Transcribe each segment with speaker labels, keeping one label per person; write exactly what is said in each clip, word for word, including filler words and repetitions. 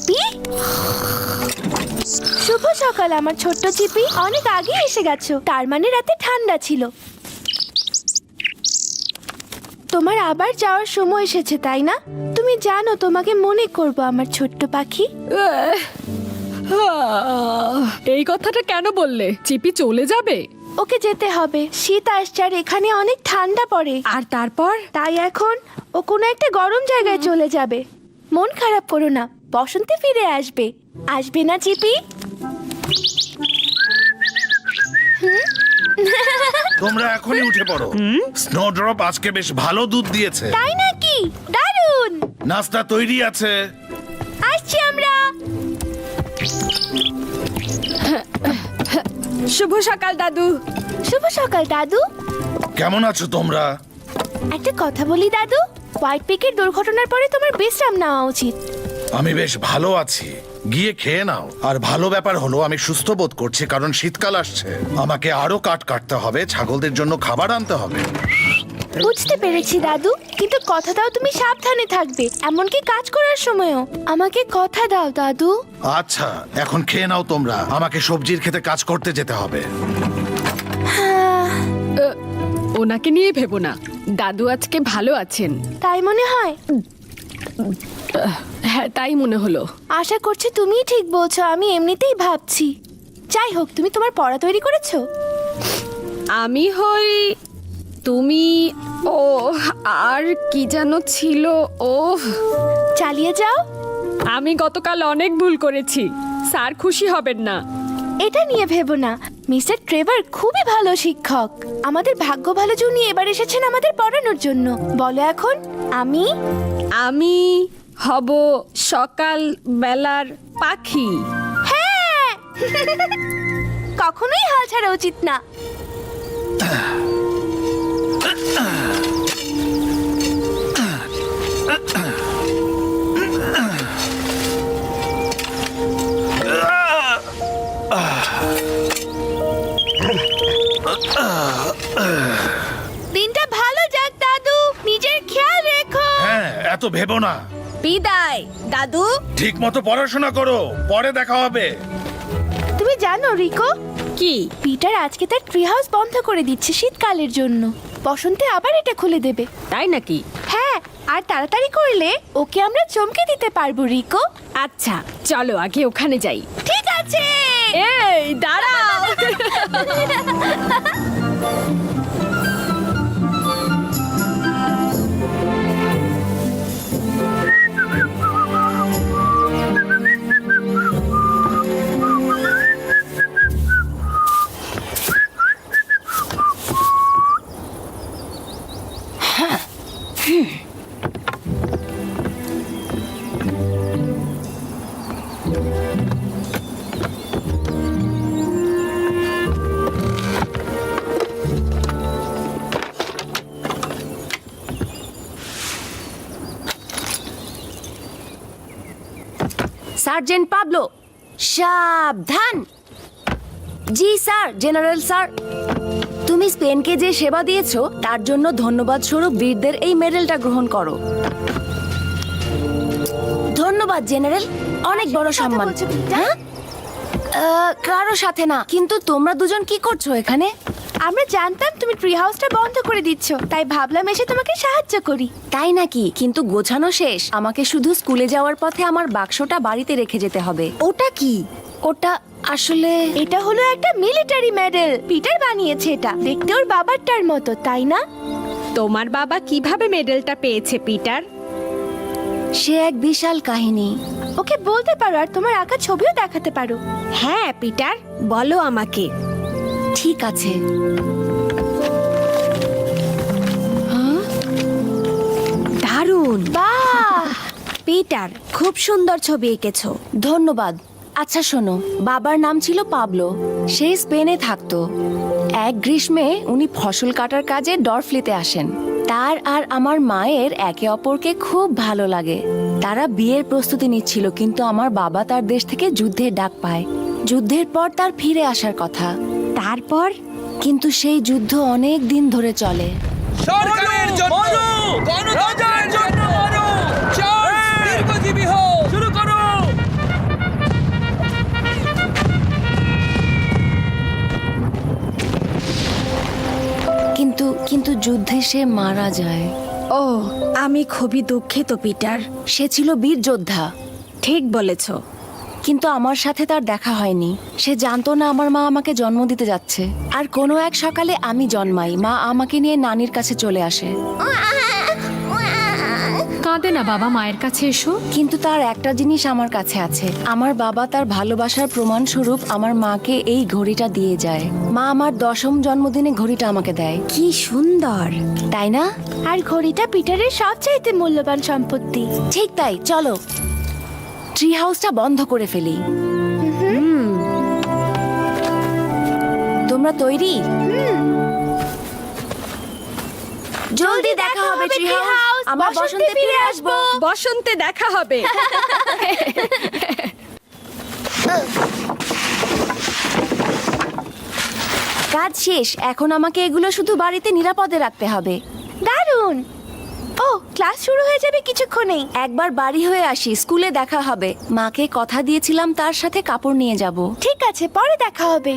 Speaker 1: চিপি, শুভ সকাল আমার ছোট্ট চিপি। অনেক আগে এসে গেছো, তার মানে রাতে ঠান্ডা ছিল। তোমার আবার যাওয়ার সময় এসেছে, তাই না? তুমি জানো তোমাকে মনে করব আমার ছোট্ট পাখি।
Speaker 2: এই কথাটা কেন বললে? চিপি চলে যাবে?
Speaker 1: ওকে যেতে হবে, শীত আসছে আর এখানে অনেক ঠান্ডা পড়ে।
Speaker 2: আর তারপর?
Speaker 1: তাই এখন ও কোনো একটা গরম জায়গায় চলে যাবে। মন খারাপ করো না, বসন্তে ফিরে আসবে। আসবে না চিপি?
Speaker 3: তোমরা এখনই উঠে পড়ো। স্নোড্রপ আজকে বেশ ভালো দুধ দিয়েছে।
Speaker 1: তাই নাকি? দারুণ।
Speaker 3: নাস্তা তৈরি আছে।
Speaker 1: আসছি আমরা।
Speaker 2: শুভ সকাল দাদু।
Speaker 1: শুভ সকাল দাদু।
Speaker 3: কেমন আছো তোমরা?
Speaker 1: একটা কথা বলি দাদু, হোয়াইট পিকের দুর্ঘটনার পরে তোমার বিশ্রাম নেওয়া উচিত।
Speaker 3: আমি বেশ ভালো আছি, গিয়ে খেয়ে নাও। আর ভালো ব্যাপার হলো আমি সুস্থ বোধ করছি, কারণ শীতকাল আসছে। আমাকে আরো কাঠ কাটতে হবে, ছাগলদের জন্য খাবার আনতে হবে।
Speaker 1: বুঝতে পেরেছি দাদু, কিন্তু কথা দাও তুমি সাবধানে থাকবে, এমনকি কাজ করার সময়ও। আমাকে কথা দাও দাদু।
Speaker 3: আচ্ছা, এখন খেয়ে নাও তোমরা। আমাকে সবজির খেতে কাজ করতে যেতে হবে।
Speaker 2: ওনাকে নিয়ে ভেবো না, দাদু আজকে ভালো আছেন।
Speaker 1: তাই মনে হয়?
Speaker 2: হ্যাঁ, তাই মনে হলো।
Speaker 1: আশা করছি তুমিই ঠিক বলছো, আমি এমনিতেই ভাবছি। যাই হোক, তুমি তোমার পড়া তৈরি করেছো?
Speaker 2: আমি হই তুমি, ও আর কি যেন ছিল, ও
Speaker 1: চালিয়ে যাও।
Speaker 2: আমি গতকাল অনেক ভুল করেছি, স্যার খুশি হবেন না।
Speaker 1: এটা নিয়ে ভেবো না, মিস্টার ট্রেভার খুবই ভালো শিক্ষক। আমাদের ভাগ্য ভালো যে উনি এবার এসেছেন আমাদের পড়ানোর জন্য। বলো এখন। আমি
Speaker 2: আমি হব সকাল বেলার পাখি।
Speaker 1: হ্যাঁ। কখনোই হাল ছাড়া উচিত না। দিনটা ভালো যাক দাদু, নিজের খেয়াল রেখো।
Speaker 3: হ্যাঁ, এত ভেবো না।
Speaker 2: বিদায় দাদু।
Speaker 3: ঠিক মতো পড়াশোনা করো, পরে দেখা হবে।
Speaker 1: তুমি জানো রিকো,
Speaker 2: কি?
Speaker 1: পিটার আজকে তার ট্রি হাউস বন্ধ করে দিচ্ছে শীতকালের জন্য। বসন্তে আবার এটা খুলে দেবে।
Speaker 2: তাই নাকি?
Speaker 1: হ্যাঁ, আর তাড়াতাড়ি করলে ওকে আমরা চমকে দিতে পারবো রিকো।
Speaker 2: আচ্ছা, চলো আগে ওখানে যাই।
Speaker 1: ঠিক আছে।
Speaker 2: এই দাঁড়াও।
Speaker 4: সার্জেন্ট পাবলো, সাবধান। জি স্যার, জেনারেল স্যার। তুমি স্পেনকে যে সেবা দিয়েছো তার জন্য ধন্যবাদ স্বরূপ বীরদের এই মেডেলটা গ্রহণ করো। ধন্যবাদ জেনারেল, অনেক বড় সম্মান। হ্যাঁ, আহ, কারো সাথে না, কিন্তু তোমরা দুজন কি করছো এখানে?
Speaker 1: আমরা জানতাম তুমি ট্রি হাউসটা বন্ধ করে দিচ্ছ, তাই ভাবলাম এসে তোমাকে সাহায্য করি।
Speaker 4: তাই নাকি? কিন্তু গোছানো শেষ। আমাকে শুধু স্কুলে যাওয়ার পথে আমার বাক্সটা বাড়িতে রেখে যেতে হবে। ওটা কি? ওটা আসলে
Speaker 1: এটা হলো একটা মিলিটারি মেডেল। পিটার বানিয়েছে এটা, দেখতে ওর বাবারটার মতো, তাই না?
Speaker 2: তোমার বাবা কিভাবে মেডেলটা পেয়েছে পিটার?
Speaker 4: সে এক বিশাল কাহিনী।
Speaker 1: ওকে বলতে পারো আর তোমার আঁকা ছবিও দেখাতে পারো।
Speaker 2: হ্যাঁ পিটার, বলো আমাকে।
Speaker 4: ঠিক আছে।
Speaker 2: দারুণ।
Speaker 1: বাহ,
Speaker 4: পিটার, খুব সুন্দর ছবি এঁকেছো। ধন্যবাদ। আচ্ছা শোনো, বাবার নাম ছিল পাবলো। সে স্পেনে থাকতো। এক গ্রীষ্মে উনি ফসল কাটার কাজে ডরফ্লিতে আসেন। তার আর আমার মায়ের একে অপরকে খুব ভালো লাগে। তারা বিয়ের প্রস্তুতি নিচ্ছিল, কিন্তু আমার বাবা তার দেশ থেকে যুদ্ধের ডাক পায়। যুদ্ধের পর তার ফিরে আসার কথা। তারপর কিন্তু সেই যুদ্ধ অনেক দিন ধরে চলে।
Speaker 5: সরকারের জন্য, গণতন্ত্রের জন্য, চার্লস দীর্ঘজীবী হোক। শুরু করো।
Speaker 4: কিন্তু যুদ্ধে সে মারা যায়।
Speaker 6: ও আমি খুবই দুঃখিত পিটার।
Speaker 4: সে ছিল বীর যোদ্ধা,
Speaker 6: ঠিক বলেছ।
Speaker 4: কিন্তু আমার সাথে তার দেখা হয়নি। সে জানতো না আমার মা আমাকে জন্ম দিতে যাচ্ছে। আর কোনো এক সকালে আমি জন্মাই, মা আমাকে নিয়ে নানির কাছে চলে আসে।
Speaker 2: কাঁদে না বাবা, মায়ের কাছে এসো।
Speaker 4: কিন্তু তার একটা জিনিস আমার কাছে আছে। আমার বাবা তার ভালোবাসার প্রমাণ স্বরূপ আমার মাকে এই ঘড়িটা দিয়ে যায়। মা আমার দশম জন্মদিনে ঘড়িটা আমাকে দেয়।
Speaker 6: কি সুন্দর।
Speaker 4: তাই না?
Speaker 1: আর ঘড়িটা পিটারের সবচাইতে মূল্যবান সম্পত্তি।
Speaker 4: ঠিক তাই, চলো ট্রি হাউসটা বন্ধ করে ফেলি। তোমরা তৈরি? জলদি দেখা হবে ট্রি হাউস। আমরা বসন্তে ফিরে আসবো।
Speaker 2: বসন্তে দেখা হবে।
Speaker 4: কাজ শেষ। এখন আমাকে এগুলো শুধু বাড়িতে নিরাপদে রাখতে হবে।
Speaker 1: দারুণ। ও ক্লাস শুরু হয়ে যাবে কিছুক্ষণেই।
Speaker 4: একবার বাড়ি হয়ে আসি, স্কুলে দেখা হবে। মাকে কথা দিয়েছিলাম তার সাথে কাপড় নিয়ে যাব।
Speaker 1: ঠিক আছে, পরে দেখা হবে।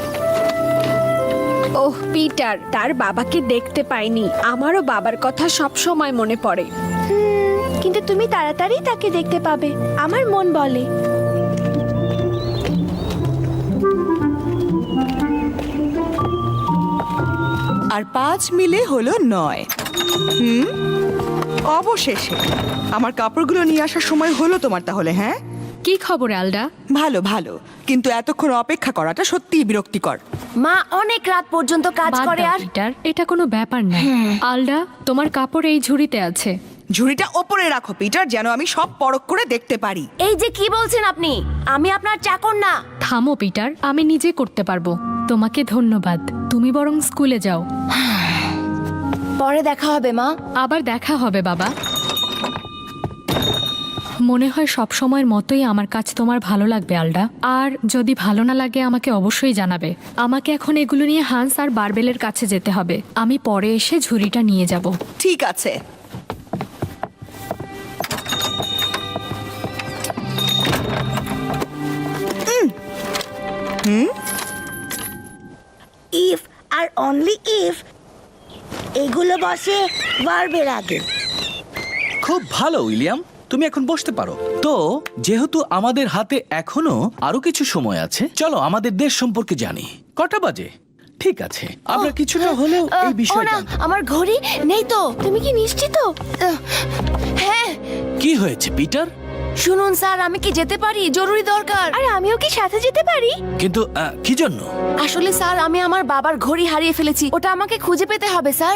Speaker 2: ওহ পিটার, তার বাবাকে দেখতে পাইনি। আমারও বাবার কথা সব সময় মনে পড়ে।
Speaker 1: হুম, কিন্তু তুমি তাড়াতাড়ি তাকে দেখতে পাবে, আমার মন বলে।
Speaker 7: আর পাঁচ মিলে হলো নয়। হুম, অবশেষে আমার কাপড়গুলো নিয়ে আসার সময় হলো তোমার তাহলে। হ্যাঁ,
Speaker 2: কি খবর আলডা?
Speaker 7: ভালো ভালো, কিন্তু এতক্ষণ অপেক্ষা করাটা সত্যিই বিরক্তিকর।
Speaker 4: মা অনেক রাত পর্যন্ত কাজ
Speaker 2: বাদ
Speaker 4: করে।
Speaker 2: দাও,
Speaker 4: আর
Speaker 2: পিটার, এটা কোনো ব্যাপার না। আলডা, তোমার কাপড় এই ঝুড়িতে আছে।
Speaker 7: ঝুড়িটা ওপরে রাখো পিটার, যেন আমি সব পরখ করে দেখতে পারি।
Speaker 4: এই যে কি বলছেন আপনি? আমি আপনার চাকর না।
Speaker 2: থামো পিটার, আমি নিজে করতে পারবো। তোমাকে ধন্যবাদ। তুমি বরং স্কুলে যাও।
Speaker 4: পরে দেখা হবে মা।
Speaker 2: আবার দেখা হবে বাবা। মনে হয় সব সময়ের মতোই আমার কাজ তোমার ভালো লাগবে আলডা। আর যদি ভালো না লাগে আমাকে অবশ্যই জানাবে। আমাকে এখন এগুলো নিয়ে হান্স আর বারবেলের কাছে যেতে হবে। আমি পরে এসে ঝুড়িটা নিয়ে যাব।
Speaker 7: ঠিক আছে।
Speaker 8: ইফ আর অনলি ইফ এগুলো বসে বারবের আগে।
Speaker 5: খুব ভালো উইলিয়াম, তুমি এখন বসতে পারো। তো যেহেতু আমাদের হাতে এখনো আরো কিছু সময় আছে, চলো আমাদের দেশ সম্পর্কে জানি। কটা বাজে? ঠিক আছে, আমরা কিছুটা হলেও এই
Speaker 4: ও
Speaker 5: বিষয়ে
Speaker 4: না,
Speaker 5: জানবো।
Speaker 4: আমার ঘড়ি নেই তো।
Speaker 1: তুমি কি নিশ্চিত?
Speaker 4: আহ, হ্যাঁ।
Speaker 5: কি হয়েছে পিটার?
Speaker 4: শুনুন স্যার, আমি কি যেতে পারি? জরুরি দরকার।
Speaker 1: আর আমিও কি সাথে যেতে পারি?
Speaker 5: কিন্তু আহ, কি জন্য?
Speaker 4: আসলে স্যার, আমি আমার বাবার ঘড়ি হারিয়ে ফেলেছি। ওটা আমাকে খুঁজে পেতে হবে স্যার।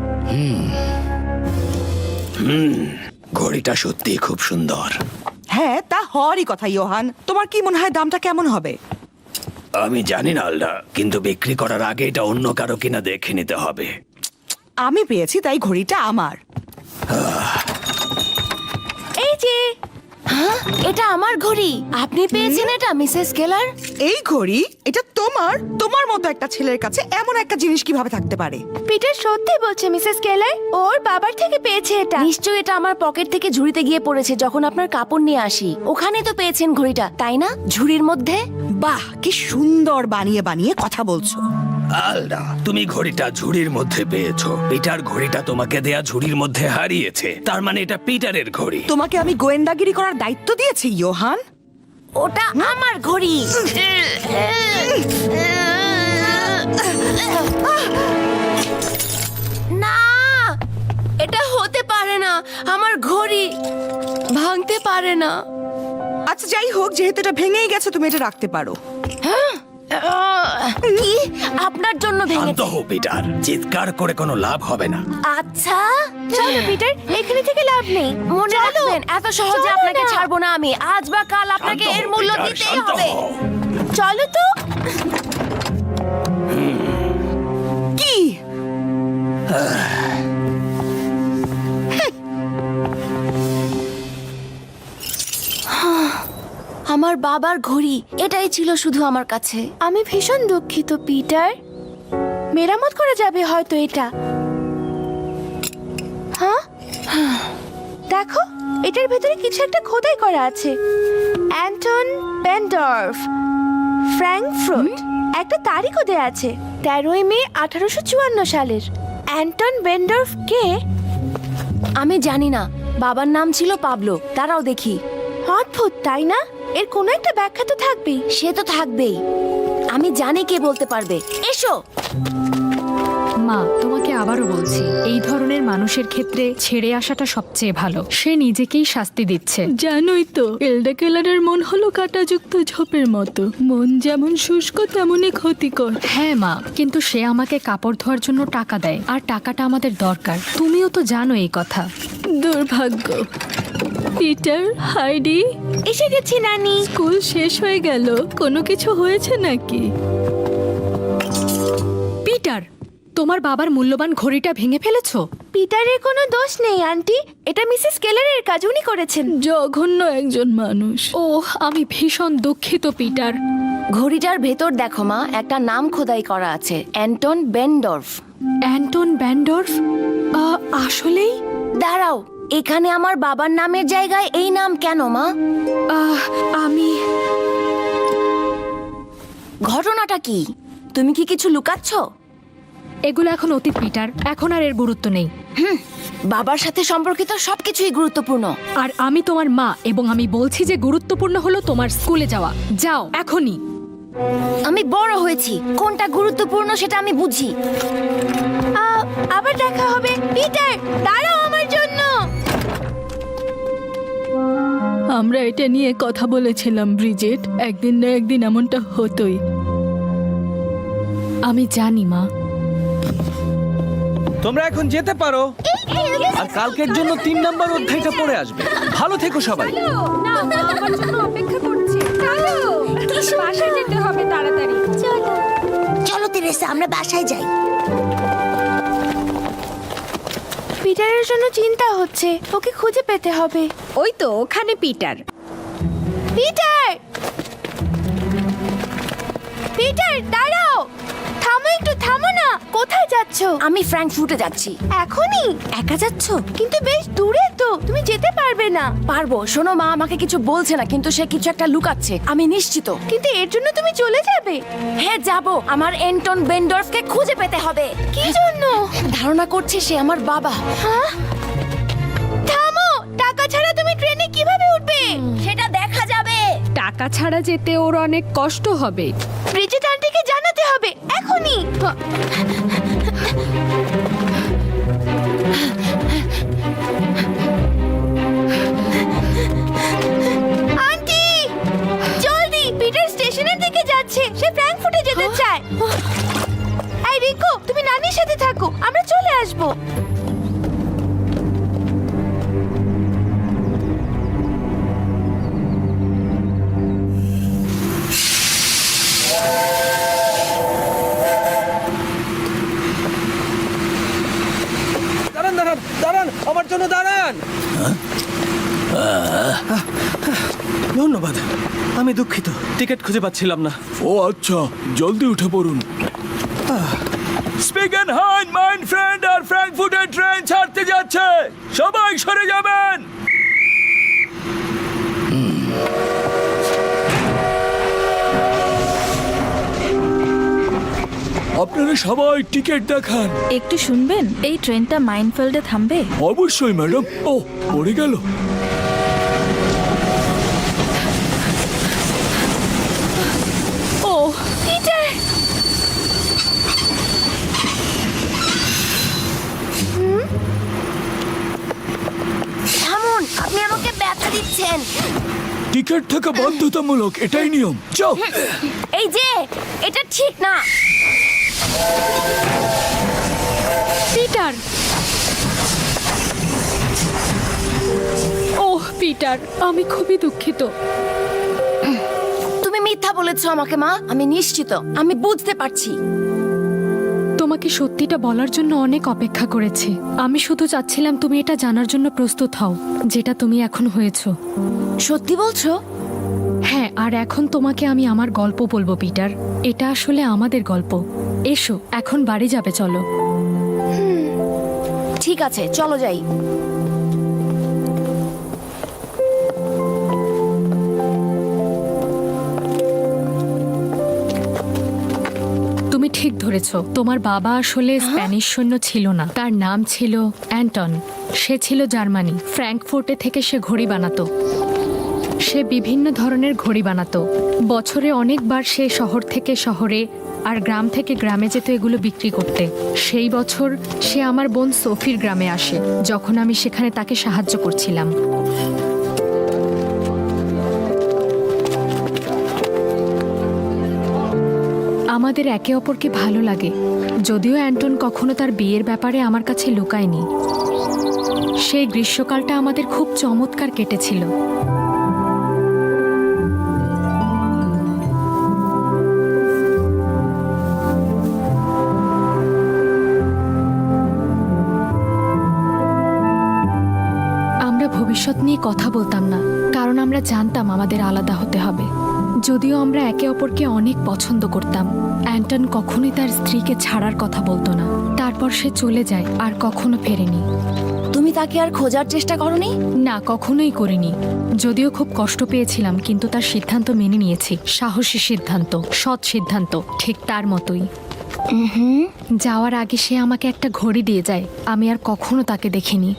Speaker 9: ঘড়িটা সত্যি খুব সুন্দর।
Speaker 7: হ্যাঁ, তা হওয়ারই কথা। ইয়োহান, তোমার কি মনে হয় দামটা কেমন হবে?
Speaker 9: আমি জানি না আলডা, কিন্তু বিক্রি করার আগে এটা অন্য কারো কিনা দেখে নিতে হবে।
Speaker 7: আমি পেয়েছি, তাই ঘড়িটা আমার।
Speaker 1: এই যে
Speaker 4: হ্যাঁ, এটা আমার ঘড়ি। আপনি পেয়েছেন এটা মিসেস কেলার?
Speaker 7: এই ঘড়ি এটা তোমার? তোমার মতো একটা ছেলের কাছে এমন একটা জিনিস কিভাবে থাকতে পারে?
Speaker 1: পিটার সত্যি বলছে মিসেস কেলার, ওর বাবার থেকে পেয়েছে এটা।
Speaker 4: নিশ্চয়ই এটা আমার পকেট থেকে ঝুড়িতে গিয়ে পড়েছে যখন আপনার কাপড় নিয়ে আসি। ওখানেই তো পেয়েছেন ঘড়িটা, তাই না? ঝুড়ির মধ্যে।
Speaker 7: বাহ, কি সুন্দর বানিয়ে বানিয়ে কথা বলছো।
Speaker 9: আলডা, তুমি ঘড়িটা ঝুড়ির মধ্যে পেয়েছো। পিটার ঘড়িটা তোমাকে দেয়া ঝুড়ির মধ্যে হারিয়েছে। তার মানে এটা পিটারের ঘড়ি।
Speaker 7: তোমাকে আমি গোয়েন্দাগিরি করার দায়িত্ব দিয়েছি ইয়োহান।
Speaker 4: ওটা আমার ঘড়ি। না, এটা হতে পারে না। আমার ঘড়ি ভাঙতে পারে না।
Speaker 7: আচ্ছা, যাই হোক, যেহেতু এটা ভেঙেই গেছে, তুমি এটা রাখতে পারো।
Speaker 4: কি? আপনার জন্য
Speaker 9: শান্ত
Speaker 4: ভেঙেছে?
Speaker 9: হও পিটার, চিৎকার করে কোনো লাভ হবে না।
Speaker 4: আচ্ছা,
Speaker 1: চলো পিটার, এখানে থেকে লাভ নেই।
Speaker 4: মনে রাখবেন, এত সহজে
Speaker 1: চলো
Speaker 4: আপনাকে
Speaker 1: না।
Speaker 4: ছাড়বো না আমি। আজ বা কাল আপনাকে
Speaker 9: শান্ত হও,
Speaker 4: এর মূল্য
Speaker 9: পিটার,
Speaker 4: দিতেই
Speaker 9: শান্ত
Speaker 4: হবে।
Speaker 9: হও।
Speaker 1: চলো তো।
Speaker 7: কি?
Speaker 4: আমার বাবার ঘড়ি, এটাই ছিল শুধু আমার কাছে।
Speaker 1: আমি ভীষণ দুঃখিত পিটার। মেরামত করা যাবে হয়তো এটা। হ্যাঁ, দেখো, এটার ভেতরে কিছু একটা খোদাই করা আছে। Anton Pendorf, Frankfurt. একটা তারিখও দেয়া আছে, তেরোই মে আঠারোশো চুয়ান্ন সালের। অ্যান্টন বেন্ডর্ফ কে?
Speaker 4: আমি জানি না, বাবার নাম ছিল পাবলো। তারাও দেখি।
Speaker 1: অদ্ভুত তাই না? এর কোনো একটা ব্যাখ্যা তো থাকবেই।
Speaker 4: সে তো থাকবেই। আমি জানি কে বলতে পারবে। এসো।
Speaker 2: মা, তোমাকে আবারও বলছি, এই ধরনের মানুষের ক্ষেত্রে ছেড়ে আসাটা সবচেয়ে ভালো। সে নিজেকেই শাস্তি দিচ্ছে।
Speaker 10: জানোই তো এলডা কেলারের মন হলো কাঁটাযুক্ত ঝোপের মতো, মন যেমন শুষ্ক তেমনই ক্ষতিকর।
Speaker 2: হ্যাঁ মা, কিন্তু সে আমাকে কাপড় ধোয়ার জন্য টাকা দেয়, আর টাকাটা আমাদের দরকার। তুমিও তো জানো এই কথা।
Speaker 10: দুর্ভাগ্য। পিটার, হাইডি,
Speaker 1: এসে গেছি নানি।
Speaker 10: স্কুল শেষ হয়ে গেল, কোনো কিছু হয়েছে নাকি?
Speaker 2: পিটার, তোমার বাবার মূল্যবান ঘড়িটা ভেঙে ফেলেছো?
Speaker 1: পিটারের কোনো দোষ নেই আন্টি, এটা মিসেস কেলারের কাজ, উনি করেছেন।
Speaker 10: জঘন্য একজন মানুষ।
Speaker 2: ওহ, আমি ভীষণ দুঃখিত পিটার।
Speaker 4: ঘড়িটার ভেতর দেখো মা, একটা নাম খোদাই করা আছে, অ্যান্টন বেন্ডর্ফ।
Speaker 2: অ্যান্টন ব্যান্ডর্ফ? আহ, আসলেই?
Speaker 4: দাঁড়াও, এখানে আমার বাবার নামের জায়গায় এই নাম কেন মা?
Speaker 2: আহ, আমি
Speaker 4: ঘটনাটা কি? তুমি কি কিছু লুকাচ্ছ?
Speaker 2: এগুলো এখন অতীত পিটার, এখন আর এর গুরুত্ব নেই।
Speaker 4: বাবার সাথে সম্পর্কিত সবকিছুই গুরুত্বপূর্ণ।
Speaker 2: আর আমি তোমার মা, এবং আমি বলছি যে গুরুত্বপূর্ণ হলো তোমার স্কুলে যাওয়া। যাও এখনই।
Speaker 4: আমি বড় হয়েছি, কোনটা গুরুত্বপূর্ণ সেটা আমি বুঝি।
Speaker 1: আহ, আবার দেখা হবে। পিটার, দাঁড়াও আমার জন্য।
Speaker 10: আমরা এটা নিয়ে কথা বলেছিলাম ব্রিজেট, একদিন না একদিন এমনটা হতোই।
Speaker 2: আমি জানি মা।
Speaker 5: তোমরা এখন যেতে পারো, আর কালকের জন্য তিন নম্বর অধ্যায়টা পড়ে আসবে। ভালো থেকো সবাই।
Speaker 8: চলো তেরেসা, আমরা বাসায় যাই।
Speaker 1: পিটারের জন্য চিন্তা হচ্ছে, ওকে খুঁজে পেতে হবে।
Speaker 6: ওই তো ওখানে পিটার।
Speaker 1: পিটার, পিটার দাঁড়াও, থামো একটু, থামো না। কোথায় যাচ্ছ?
Speaker 4: আমি ফ্র্যাঙ্কফুটে যাচ্ছি।
Speaker 1: এখনই?
Speaker 4: একা যাচ্ছ?
Speaker 1: কিন্তু বেশ দূরে তো, তুমি যেতে পারবে না।
Speaker 4: পারবো। শোনো মা, আমাকে কিছু বলছে না, কিন্তু সে কিছু একটা লুকাচ্ছে, আমি নিশ্চিত।
Speaker 1: কিন্তু এর জন্য তুমি চলে যাবে?
Speaker 4: হ্যাঁ যাব, আমার অ্যান্টন বেন্ডর্ফকে খুঁজে পেতে হবে।
Speaker 1: কি জন্য?
Speaker 4: ধারণা করছে সে আমার বাবা।
Speaker 1: হ্যাঁ? থামো, টাকা ছাড়া তুমি ট্রেনে কিভাবে উঠবে?
Speaker 4: সেটা দেখা যাবে।
Speaker 2: টাকা ছাড়া যেতে ওর অনেক কষ্ট হবে।
Speaker 1: ব্রিজেট আন্টিকে জানাতে হবে এখনই। আন্টি, জলদি, পিটার স্টেশনের দিকে যাচ্ছে, সে ফ্র্যাঙ্কফুটে যেতে চায়। এই রিকো, তুমি নানির সাথে থাকো, আমরা চলে আসবো।
Speaker 5: দাঁড়ান দাঁড়ান দাঁড়ান, আমার জন্য দাঁড়ান। ধন্যবাদ। আমি দুঃখিত, টিকিট খুঁজে পাচ্ছিলাম না।
Speaker 9: ও আচ্ছা, জলদি উঠে পড়ুন। স্পিগেনহাইম মাইন ফ্রেন্ড আর ফ্র্যাঙ্কফুটের ট্রেন ছাড়তে যাচ্ছে, সবাই সরে যাবেন। আপনারা সবাই টিকিট দেখান।
Speaker 6: একটু শুনবেন, এই ট্রেনটা মাইনফিল্ডে থামবে।
Speaker 9: অবশ্যই ম্যাডাম। ও, পড়ে গেল।
Speaker 1: ও পিটার,
Speaker 4: থামুন, আপনি আমাকে ব্যথা দিচ্ছেন।
Speaker 9: টিকিট থাকা বাধ্যতামূলক, এটাই নিয়ম। যাও।
Speaker 4: এই যে, এটা ঠিক না।
Speaker 2: পিটার, ওহ পিটার, আমি খুবই দুঃখিত।
Speaker 4: তুমি মিথ্যা বলেছো আমাকে মা, আমি নিশ্চিত, আমি বুঝতে পারছি।
Speaker 2: তোমাকে সত্যিটা বলার জন্য অনেক অপেক্ষা করেছি। আমি শুধু চাচ্ছিলাম তুমি এটা জানার জন্য প্রস্তুত হও, যেটা তুমি এখন হয়েছো।
Speaker 4: সত্যি বলছো?
Speaker 2: হ্যাঁ, আর এখন তোমাকে আমি আমার গল্প বলবো পিটার। এটা আসলে আমাদের গল্প। এসো, এখন বাড়ি যাবে, চলো।
Speaker 4: ঠিক আছে, চলো যাই।
Speaker 2: তুমি ঠিক ধরে ধরেছো। তোমার বাবা আসলে স্প্যানিশ সৈন্য ছিল না, তার নাম ছিল অ্যান্টন। সে ছিল জার্মানি। ফ্র্যাঙ্কফুর্টে থেকে সে ঘড়ি বানাতো। সে বিভিন্ন ধরনের ঘড়ি বানাতো। বছরে অনেকবার সে শহর থেকে শহরে আর গ্রাম থেকে গ্রামে যেত এগুলো বিক্রি করতে। সেই বছর সে আমার বোন সোফির গ্রামে আসে, যখন আমি সেখানে তাকে সাহায্য করছিলাম। আমাদের একে অপরকে ভালো লাগে, যদিও অ্যান্টন কখনো তার বিয়ের ব্যাপারে আমার কাছে লুকায়নি। সেই গ্রীষ্মকালটা আমাদের খুব চমৎকার কেটেছিল। আমরা ভবিষ্যৎ নিয়ে কথা বলতাম না, কারণ আমরা জানতাম আমাদের আলাদা হতে হবে। যদিও আমরা একে অপরকে অনেক পছন্দ করতাম, অ্যান্টন কখনোই তার স্ত্রীকে ছাড়ার কথা বলতো না। তারপর সে চলে যায় আর কখনো ফেরেনি।
Speaker 4: তুমি তাকে আর খোঁজার চেষ্টা করনি?
Speaker 2: না, কখনোই করিনি। যদিও খুব কষ্ট পেয়েছিলাম, কিন্তু তার সিদ্ধান্ত মেনে নিয়েছি। সাহসী সিদ্ধান্ত, সৎ সিদ্ধান্ত, ঠিক তার মতোই। যাওয়ার আগে সে আমাকে একটা ঘড়ি দিয়ে যায়। আমি আর কখনো তাকে দেখিনি।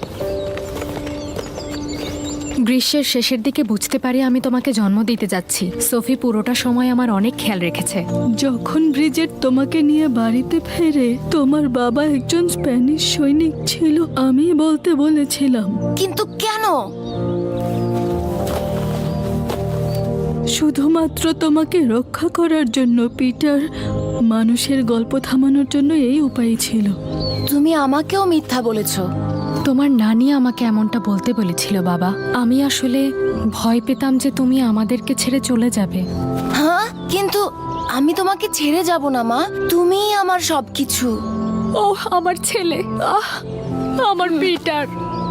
Speaker 2: গ্রীষ্মের শেষের দিকে বুঝতে পারি আমি তোমাকে জন্ম দিতে যাচ্ছি। সোফি পুরোটা সময় আমার অনেক খেয়াল রেখেছে।
Speaker 10: যখন ব্রিজেট তোমাকে নিয়ে বাড়িতে ফেরে, তোমার বাবা একজন স্প্যানিশ সৈনিক ছিল, আমি বলতে বলেছিলাম।
Speaker 4: কিন্তু কেন?
Speaker 10: শুধুমাত্র তোমাকে রক্ষা করার জন্য, পিটার। মানুষের গল্প থামানোর জন্য এই উপায় ছিল।
Speaker 4: তুমি আমাকেও মিথ্যা বলেছো।
Speaker 2: তোমার নানি আমাকে এমনটা বলতে বলেছিল বাবা। আমি আসলে ভয় পেতাম যে তুমি আমাদেরকে ছেড়ে চলে যাবে।
Speaker 4: হ্যাঁ, কিন্তু আমি তোমাকে ছেড়ে যাব না মা। তুমিই আমার সবকিছু।
Speaker 2: ও আমার ছেলে, আহ আমার পিটার।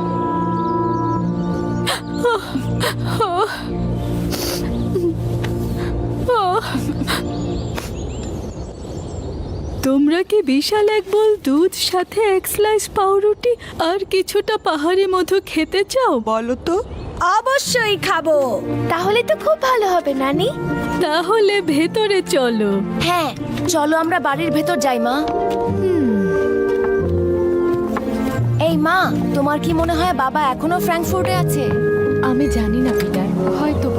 Speaker 10: তোমরা কি বিশাল এক বোল দুধ, সাথে এক স্লাইস পাউরুটি আর কিছুটা পাহাড়ি মধু খেতে চাও?
Speaker 7: বলো তো।
Speaker 8: অবশ্যই খাবো।
Speaker 1: তাহলে তো খুব ভালো হবে নানি।
Speaker 10: তাহলে ভেতরে চলো।
Speaker 4: হ্যাঁ, চলো আমরা বাড়ির ভেতর যাই মা। এই মা, তোমার কি মনে হয় বাবা এখনো ফ্র্যাঙ্কফুর্টে আছে?
Speaker 2: আমি জানি না পিটার, হয়তো বা।